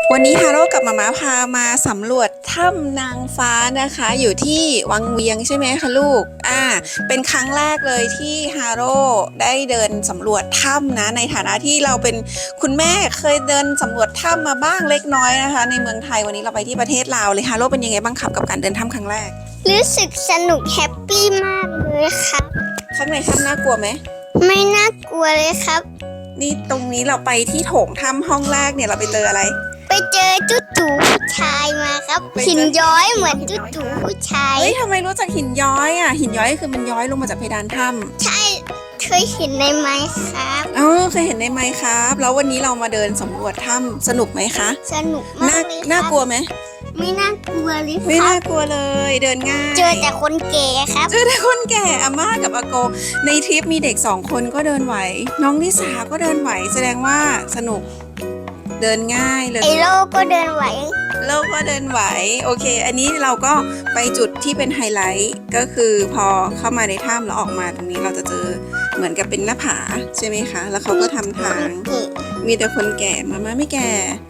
วันนี้ฮาโร่กับมาม่าพามาสำรวจถ้ำนางฟ้านะคะอยู่ที่วังเวียงใช่ไหมคะลูกเป็นครั้งแรกเลยที่ฮาโร่ได้เดินสำรวจถ้ำนะในฐานะที่เราเป็นคุณแม่เคยเดินสำรวจถ้ำมาบ้างเล็กน้อยนะคะในเมืองไทยวันนี้เราไปที่ประเทศลาวเลยฮาโร่เป็นยังไงบ้างครับกับการเดินถ้ำครั้งแรกรู้สึกสนุกแฮปปี้มากเลยครับข้างในถ้ำน่ากลัวไหมไม่น่ากลัวเลยครับนี่ตรงนี้เราไปที่โถงถ้ำห้องแรกเนี่ยเราไปเจออะไรไปเจอจุ๊จู่ผู้ชายมาครับหินย้อยเหมือนจุ๊จู่ผู้ชายเฮ้ยทำไมรู้จักหินย้อยอ่ะหินย้อยคือมันย้อยลงมาจากเพดานถ้ำใช่เคยเห็นในไหมครับเคยเห็นในไหมครับแล้ววันนี้เรามาเดินสำรวจถ้ำสนุกไหมคะสนุกมากเลยน่ากลัวไหมไม่น่ากลัวเลยครับไม่น่ากลัวเลยเดินง่ายเจอแต่คนแก่ครับเจอแต่คนแก่อาม่ากับอาโกในทริปมีเด็ก2 คนก็เดินไหวน้องนิสาก็เดินไหวแสดงว่าสนุกเดินง่ายเลยไอโลก็เดินไหวโลกก็เดินไหวโอเคอันนี้เราก็ไปจุดที่เป็นไฮไลท์ก็คือพอเข้ามาในถ้ำแล้วออกมาตรงนี้เราจะเจอเหมือนกับเป็นหน้าผาใช่ไหมคะแล้วเขาก็ทำทางมีแต่คนแก่มาไม่แก่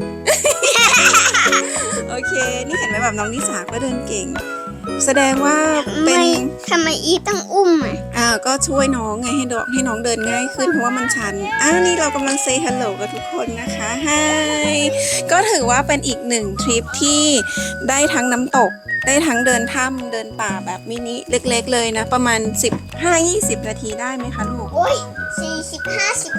โอเคนี่เห็นไหมแบบน้องนิสาก็เดินเก่งแสดงว่าเป็นทำไมอีต้องอุ้มก็ช่วยน้องไงให้น้องเดินง่ายขึ้นเพราะว่ามันชันนี่เรากำลังเซย์ฮัลโหลกับทุกคนนะคะไฮก็ถือว่าเป็นอีกหนึ่งทริปที่ได้ทั้งน้ำตกได้ทั้งเดินถ้ำเดินป่าแบบมินิเล็กๆเลยนะประมาณ15-20 นาทีได้ไหมคะลูกโอ้ย40 50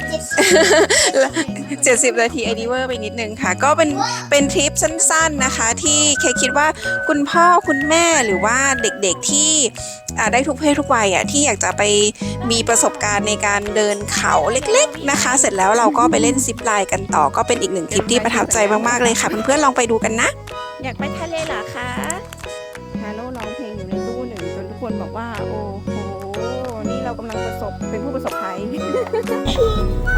60 70 นาทีไอดีเวอร์ไปนิดนึงค่ะก็เป็นทริปสั้นๆนะคะที่เคคิดว่าคุณพ่อคุณแม่หรือว่าเด็กๆที่ได้ทุกเพศทุกวัยที่อยากจะไปมีประสบการณ์ในการเดินเขาเล็กๆนะคะเสร็จแล้วเราก็ไปเล่นซิปไลน์กันต่อก็เป็นอีกหนึ่งทริปที่ประทับใจมากๆเลยค่ะเพื่อนๆลองไปดูกันนะอยากไปทะเลเหรอคะฮาโลร้องเพลงอยู่ในตู้หนึ่งจนทุกคนบอกว่าโอ้โหนี่เรากำลังเป็นผู้ประสบภัย